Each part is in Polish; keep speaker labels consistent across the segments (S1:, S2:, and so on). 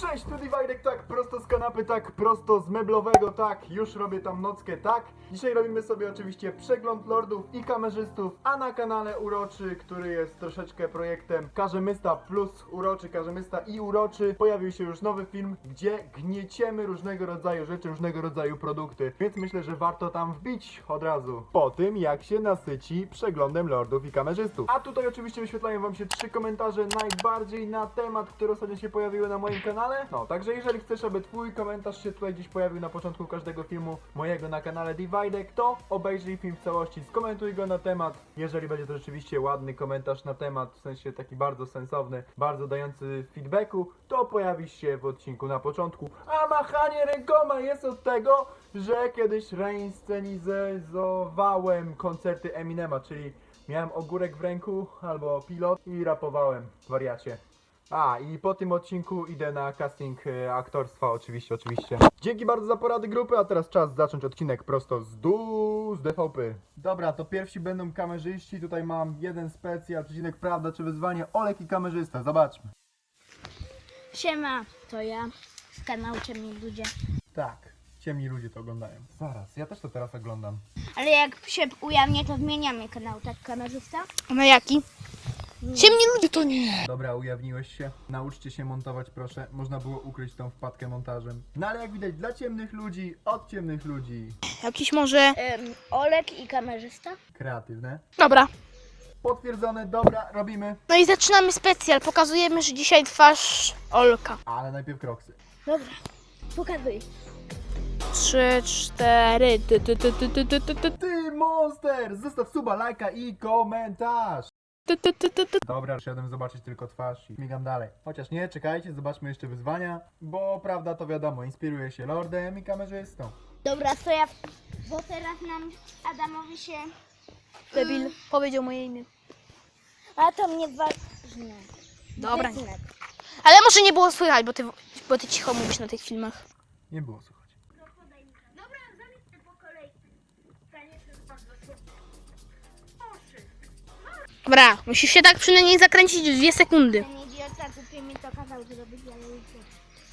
S1: Cześć, tu Dividek, tak, prosto z kanapy, tak, prosto z meblowego, tak, już robię tam nockę, tak. Dzisiaj robimy sobie oczywiście przegląd lordów i kamerzystów, a na kanale Uroczy, który jest troszeczkę projektem Karzemysta plus Uroczy, Karzemysta i Uroczy, pojawił się już nowy film, gdzie gnieciemy różnego rodzaju rzeczy, różnego rodzaju produkty, więc myślę, że warto tam wbić od razu, po tym jak się nasyci przeglądem lordów i kamerzystów. A tutaj oczywiście wyświetlają wam się 3 komentarze najbardziej na temat, które ostatnio się pojawiły na moim kanale. No, także jeżeli chcesz, aby twój komentarz się tutaj gdzieś pojawił na początku każdego filmu mojego na kanale Dividek, to obejrzyj film w całości, skomentuj go na temat. Jeżeli będzie to rzeczywiście ładny komentarz na temat, w sensie taki bardzo sensowny, bardzo dający feedbacku, to pojawi się w odcinku na początku. A machanie rękoma jest od tego, że kiedyś reinscenizowałem koncerty Eminema, czyli miałem ogórek w ręku albo pilot i rapowałem, wariacie. A, i po tym odcinku idę na casting aktorstwa, oczywiście. Dzięki bardzo za porady grupy, a teraz czas zacząć odcinek prosto z DVP. Dobra, to pierwsi będą kamerzyści, tutaj mam jeden specjal, przecinek prawda czy wyzwanie, Olek i kamerzysta, zobaczmy.
S2: Siema, to ja z kanału Ciemni Ludzie.
S1: Tak, ciemni ludzie to oglądają. Zaraz, ja też to teraz oglądam.
S2: Ale jak się ujawnię, to zmieniamy kanał, tak kamerzysta?
S3: Na jaki? Ciemni ludzie to nie.
S1: Dobra, ujawniłeś się. Nauczcie się montować, proszę. Można było ukryć tą wpadkę montażem. No ale jak widać, dla ciemnych ludzi, od ciemnych ludzi.
S3: Jakiś może...
S2: Olek i kamerzysta?
S1: Kreatywne.
S3: Dobra.
S1: Potwierdzone, dobra, robimy.
S3: No i zaczynamy specjal. Pokazujemy, że dzisiaj twarz Olka.
S1: Ale najpierw kroksy.
S2: Dobra, pokazuj.
S3: 3, 4...
S1: Ty, monster! Zostaw suba, lajka i komentarz! Dobra, przyszedłem zobaczyć tylko twarz i migam dalej. Chociaż nie, czekajcie, zobaczmy jeszcze wyzwania. Bo prawda to wiadomo, inspiruje się lordem i kamerzystą.
S2: Dobra, to ja... Bo teraz nam Adamowi się...
S3: Debil powiedział moje imię.
S2: A to mnie ważne.
S3: Dobra.
S2: Wyznak.
S3: Ale może nie było słychać, bo ty cicho mówisz na tych filmach.
S1: Nie było słuchać.
S2: Dobra, zamienię po kolei.
S3: Dobra, musisz się tak przynajmniej zakręcić w 2 sekundy.
S2: Ten idiota głupio mi to kazał zrobić, ale już nie.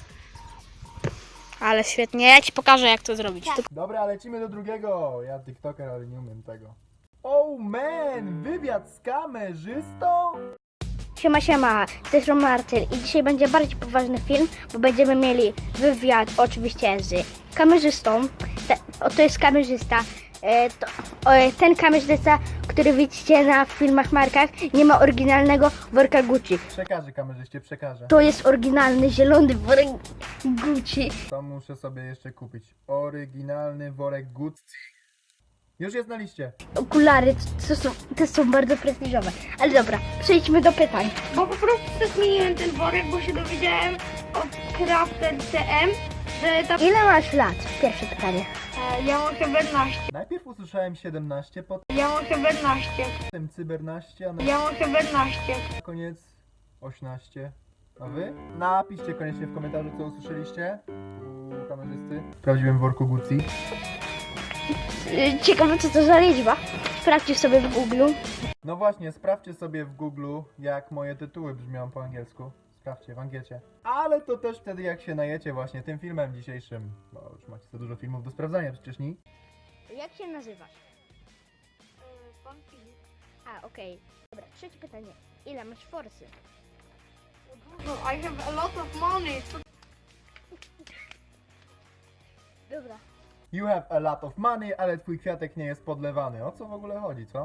S3: Ale świetnie, ja ci pokażę jak to zrobić.
S2: Tak.
S3: Tylko...
S1: Dobra, lecimy do drugiego. Ja tiktoker, ale nie umiem tego. Oh man, wywiad z kamerzystą?
S2: Siema, to jest Marcel i dzisiaj będzie bardziej poważny film, bo będziemy mieli wywiad oczywiście z kamerzystą. To jest kamerzysta. Ten kamerzysta, który widzicie na filmach markach, nie ma oryginalnego worka Gucci.
S1: Przekażę kamerzyście, przekażę.
S2: To jest oryginalny zielony worek Gucci.
S1: To muszę sobie jeszcze kupić. Oryginalny worek Gucci. Już jest na liście.
S2: Okulary to są bardzo prestiżowe. Ale dobra, przejdźmy do pytań.
S4: Bo po prostu zmieniłem ten worek, bo się dowiedziałem od Crafter CM, że ta...
S2: Ile masz lat? Pierwsze pytanie.
S4: Ja mam chyba 11.
S1: Najpierw usłyszałem 17,
S4: Ja mam chyba 11.
S1: potem cybernaście, a
S4: Ja mam chyba 11.
S1: na koniec 18. A wy? Napiszcie koniecznie w komentarzu, co usłyszeliście u kamerzysty w prawdziwym worku Gucci.
S2: Ciekawe, co to za liczba. Sprawdźcie sobie w Google.
S1: No właśnie, sprawdźcie sobie w Google, jak moje tytuły brzmią po angielsku. Sprawdźcie w angiecie. Ale to też wtedy, jak się najecie właśnie tym filmem dzisiejszym. Bo już macie za dużo filmów do sprawdzania, przecież nie?
S2: Jak się nazywasz?
S4: Pan Filip.
S2: A, okej. Dobra, trzecie pytanie. Ile masz forsy?
S4: Dużo, I have a lot of money.
S2: Dobra.
S1: You have a lot of money, ale twój kwiatek nie jest podlewany. O co w ogóle chodzi, co?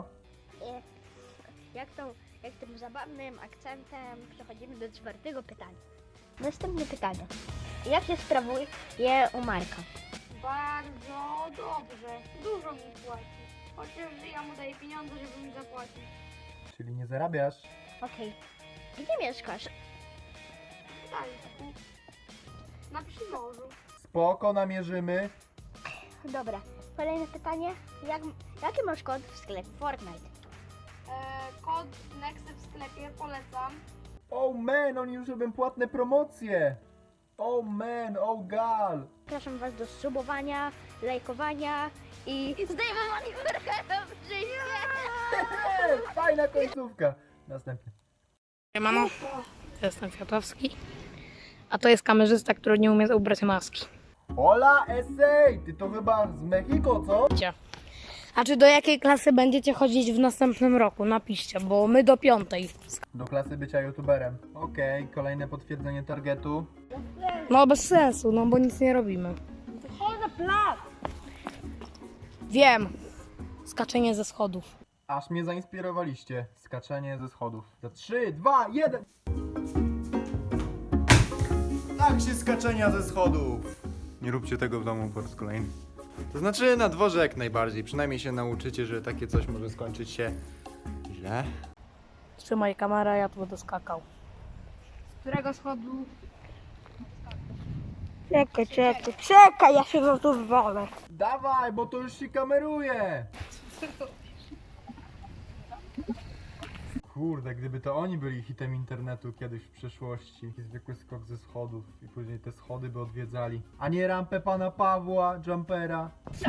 S2: Jak tym zabawnym akcentem przechodzimy do 4. pytania. Następne pytanie. Jak się sprawuje u Marka?
S4: Bardzo dobrze. Dużo mi płaci. Chociaż ja mu daję pieniądze, żeby mi zapłacić.
S1: Czyli nie zarabiasz.
S2: Okej. Gdzie mieszkasz?
S4: W Gdańsku. Na Przymorzu.
S1: Spoko, namierzymy.
S2: Dobra. Kolejne pytanie. Jaki masz kod w sklepie Fortnite?
S4: Kod Nexy w sklepie polecam.
S1: Oh man, oni już robią płatne promocje. Oh man, oh gal.
S2: Zapraszam Was do subowania, lajkowania i zdejmowania worka w życie.
S1: Fajna końcówka. Następny.
S3: Mamo, jestem Kwiatowski.
S5: A to jest kamerzysta, który nie umie ubrać maski.
S1: Hola, esej! Ty to chyba z Mexico, co?
S5: A czy do jakiej klasy będziecie chodzić w następnym roku? Napiszcie, bo my do 5.
S1: Do klasy bycia youtuberem. Okej, kolejne potwierdzenie targetu.
S5: No bez sensu, no bo nic nie robimy.
S4: Chodź na plac.
S5: Wiem. Skaczenie ze schodów.
S1: Aż mnie zainspirowaliście. Skaczenie ze schodów. Za 3, 2, 1. Tak się skaczenia ze schodów. Nie róbcie tego w domu po raz kolejny. To znaczy na dworze jak najbardziej. Przynajmniej się nauczycie, że takie coś może skończyć się źle.
S5: Trzymaj kamerę, ja tu będę skakał.
S4: Z którego schodu?
S2: Czekaj, ja się za to wywalę.
S1: Dawaj, bo to już się kameruje. Kurde, gdyby to oni byli hitem internetu kiedyś w przeszłości. Taki zwykły skok ze schodów i później te schody by odwiedzali. A nie rampę pana Pawła, jumpera.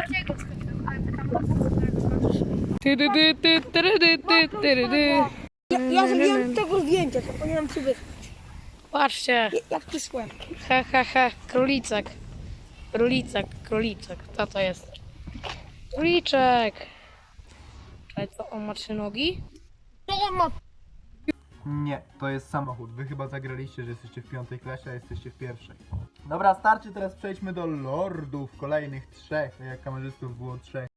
S2: Ja zrobiłam tego zdjęcia, to powinienem ci wysłać.
S5: Patrzcie.
S2: Jak przysłem.
S5: He, he, he. Królicek. Króliczek. Co to jest? Króliczek. Czekaj, co? On ma 3 nogi?
S1: Nie, to jest samochód. Wy chyba zagraliście, że jesteście w 5. klasie, a jesteście w 1. Dobra, starczy, teraz przejdźmy do lordów. Kolejnych 3, tak jak kamerzystów było 3.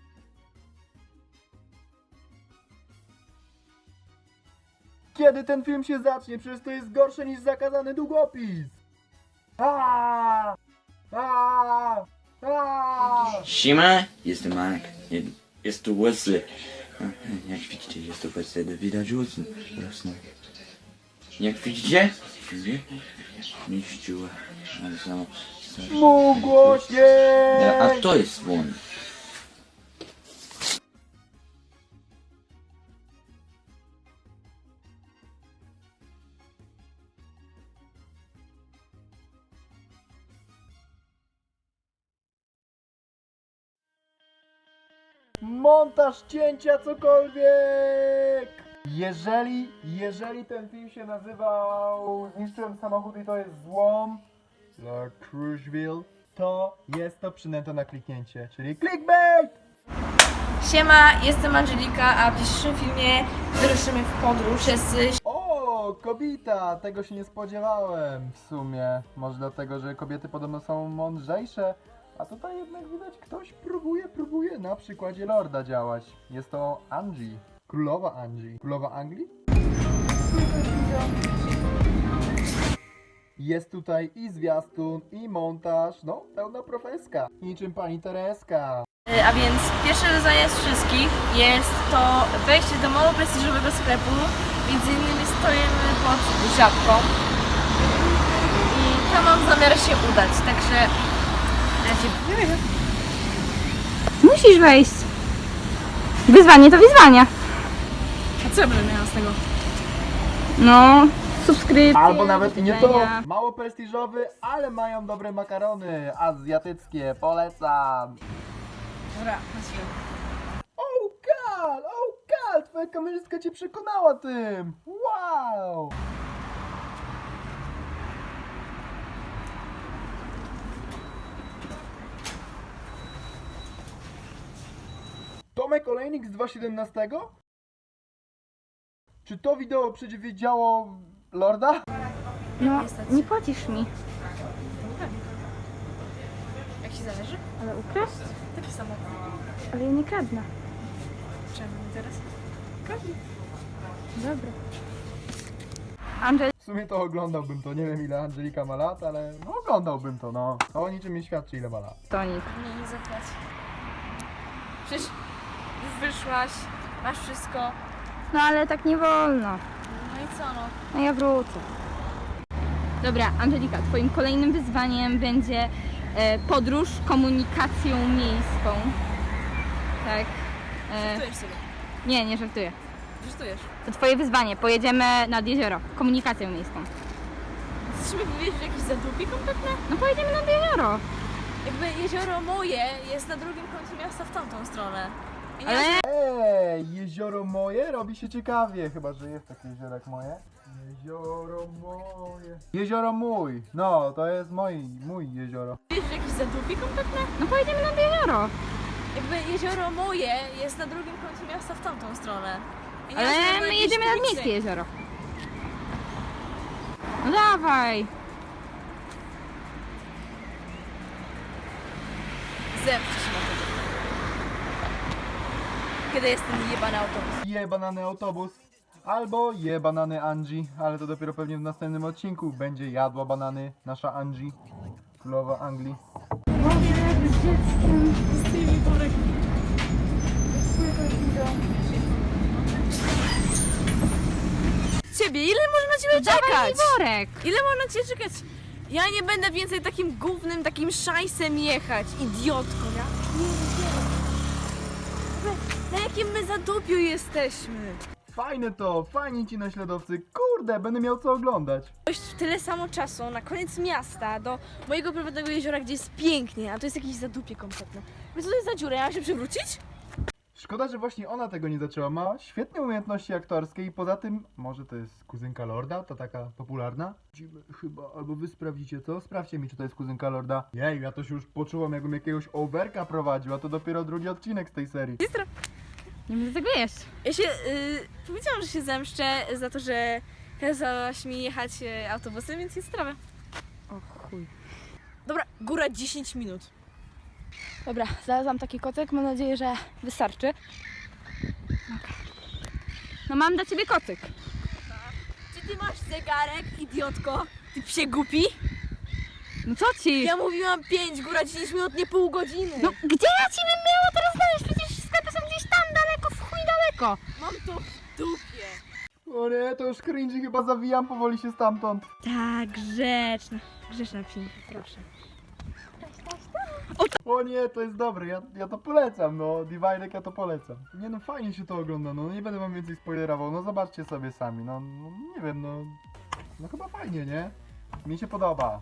S1: Kiedy ten film się zacznie? Przecież to jest gorsze niż zakazany długopis. Aaaa! Aaaa! Aaaa!
S6: Siema, jestem Mark. Jest tu Wesley. Jak widzicie, jest tu Wesley, do widać rosną. Jak widzicie? Miściła. Ale samo.
S1: Mów głośniej!
S6: A to jest on.
S1: Montaż cięcia, cokolwiek! Jeżeli ten film się nazywał Zniszczyłem samochód i to jest złom dla Cruiseville, to jest to przynęta na kliknięcie, czyli clickbait!
S7: Siema, jestem Angelika, a w dzisiejszym filmie wyruszymy w podróż.
S1: O, kobieta! Tego się nie spodziewałem w sumie. Może dlatego, że kobiety podobno są mądrzejsze, a tutaj jednak widać ktoś próbuje na przykładzie Lorda działać. Jest to Angie. Królowa Angie. Królowa Anglii? Jest tutaj i zwiastun, i montaż, no pełna profeska. Niczym pani Tereska.
S7: A więc pierwsze wyzwanie z wszystkich jest to wejście do mało prestiżowego sklepu. Między innymi stoimy pod Żabką. I tam mam zamiar się udać, także
S8: Musisz wejść. Wyzwanie to wyzwanie.
S7: a co ja będę miała z tego?
S8: No, subskrypcje.
S1: Albo nawet i nie to.
S8: widzenia.
S1: Mało prestiżowy, ale mają dobre makarony azjatyckie. Polecam.
S7: Dobra, na chwilę.
S1: Oh God, twoja kamerzystka cię przekonała tym. Wow. Tomek Olejnik z 2.17? Czy to wideo przewidziało Lorda?
S8: No, nie płacisz mi.
S7: Jak ci zależy?
S8: Ale ukraść?
S7: Taki samochód.
S8: Ale ja nie kradnę.
S7: Czemu teraz?
S8: Dobra. Andrzej,
S1: W sumie to oglądałbym to, nie wiem ile Angelika ma lat, ale no oglądałbym to, no. To o niczym nie świadczy ile ma lat.
S8: tonik.
S7: Nie, nie zapłać. Przecież już wyszłaś, masz wszystko.
S8: No ale tak nie wolno.
S7: No i co no?
S8: No ja wrócę. Dobra, Angelika, twoim kolejnym wyzwaniem będzie podróż komunikacją miejską. Tak.
S7: Żartujesz sobie.
S8: Nie żartuję.
S7: Żartujesz.
S8: To twoje wyzwanie. Pojedziemy nad jezioro. Komunikacją miejską.
S7: Chcesz mi powiedzieć, że jakieś zadupie kompletne?
S8: No pojedziemy nad jezioro.
S7: Jakby jezioro moje jest na drugim końcu miasta w tamtą stronę. I nie
S8: Ale
S1: Jezioro moje robi się ciekawie, chyba że jest takie jezioro jak moje. Jezioro moje. Jezioro mój. No, to jest mój jezioro.
S7: Wiesz, jakieś zadupie kompletne?
S8: No pojedziemy nad jezioro.
S7: Jakby jezioro moje jest na drugim końcu miasta w tamtą stronę. I nie ma
S8: Ale
S7: żadnego
S8: my
S7: jakiegoś
S8: jedziemy nad
S7: publicznej-
S8: miejskie jezioro. No dawaj.
S7: Zemszczę się na tego. Kiedy jest ten jebany autobus?
S1: Je banany autobus. Albo je banany Angie, ale to dopiero pewnie w następnym odcinku będzie jadła banany nasza Angie, królowa Anglii.
S7: Ciebie, ile można na ciebie
S8: Dawaj mi
S7: czekać?
S8: worek.
S7: Ile można cię czekać? Ja nie będę więcej takim gównym, takim szajsem jechać, idiotko. Ja na jakim my zadupiu jesteśmy?
S1: Fajne to, fajni ci naśladowcy, kurde, będę miał co oglądać.
S7: Dojść w tyle samo czasu na koniec miasta do mojego prywatnego jeziora, gdzie jest pięknie, a to jest jakieś zadupie kompletne. Więc co to jest za dziurę? Ja mam się przewrócić?
S1: Szkoda, że właśnie ona tego nie zaczęła. Ma świetne umiejętności aktorskie i poza tym, może to jest kuzynka Lorda, ta taka popularna? Widzimy chyba, albo wy sprawdzicie, co? Sprawdźcie mi, czy to jest kuzynka Lorda. Jej, ja to się już poczułam, jakbym jakiegoś overka prowadził, a to dopiero drugi odcinek z tej serii.
S8: Nie będę tego jeść.
S7: Ja się powiedziałam, że się zemszczę za to, że kazałaś mi jechać autobusem, więc jest sprawa.
S8: O chuj.
S7: Dobra, góra 10 minut.
S5: Dobra, znalazłam taki kocyk, mam nadzieję, że wystarczy.
S8: No mam dla ciebie kocyk.
S7: Czy ty masz zegarek, idiotko? Ty psie głupi?
S8: No co ci?
S7: Ja mówiłam 5, góra 10 minut, nie pół godziny.
S8: No gdzie ja ci bym miała teraz znaleźć? Przecież sklepy są gdzieś tam daleko, w chuj daleko.
S7: Mam to w dupie.
S1: O nie, to już cringe, chyba zawijam powoli się stamtąd.
S8: Tak, grzeczna. Grzeczna film, proszę.
S1: O nie, to jest dobre, ja to polecam, no, Divinek ja to polecam. Nie no, fajnie się to ogląda, no, nie będę wam więcej spoilerował, no zobaczcie sobie sami, no nie wiem, no chyba fajnie, nie? Mi się podoba.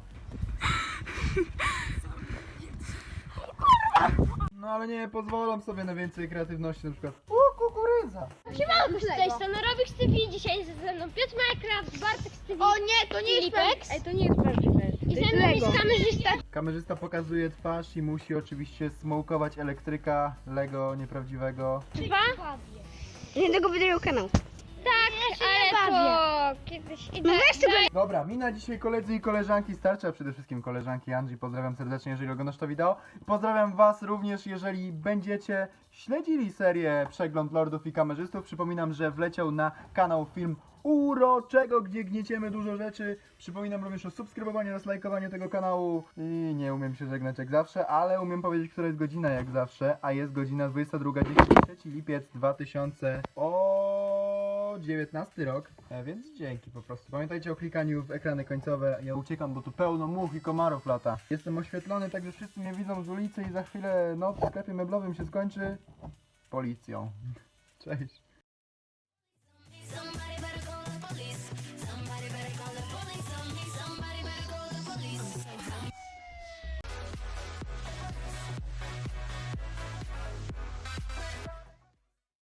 S1: No ale nie, pozwalam sobie na więcej kreatywności, na przykład kukurydza.
S2: Z tej strony Robik TV, dzisiaj ze mną Piotr Minecraft, Bartek z TV.
S4: O nie, to nie jest
S2: Filipek.
S4: Ej, to nie jest prawdziwe.
S2: I ze mną jest kamerzysta.
S1: Kamerzysta pokazuje twarz i musi oczywiście smokować elektryka Lego nieprawdziwego.
S2: Jednego wydają kanał. Tak, ale to kiedyś idę. No weź tego.
S1: Dobra, mi na dzisiaj koledzy i koleżanki starczy, a przede wszystkim koleżanki Angie. Pozdrawiam serdecznie, jeżeli oglądasz to wideo. Pozdrawiam was również, jeżeli będziecie śledzili serię Przegląd Lordów i Kamerzystów. Przypominam, że wleciał na kanał film uroczego, gdzie gnieciemy dużo rzeczy. Przypominam również o subskrybowaniu oraz lajkowaniu tego kanału. I nie umiem się żegnać jak zawsze, ale umiem powiedzieć, która jest godzina jak zawsze, a jest godzina 22:10, 3 lipiec 2019 rok, więc dzięki po prostu. Pamiętajcie o klikaniu w ekrany końcowe. Ja uciekam, bo tu pełno much i komarów lata. Jestem oświetlony, także wszyscy mnie widzą z ulicy i za chwilę noc w sklepie meblowym się skończy policją. Cześć.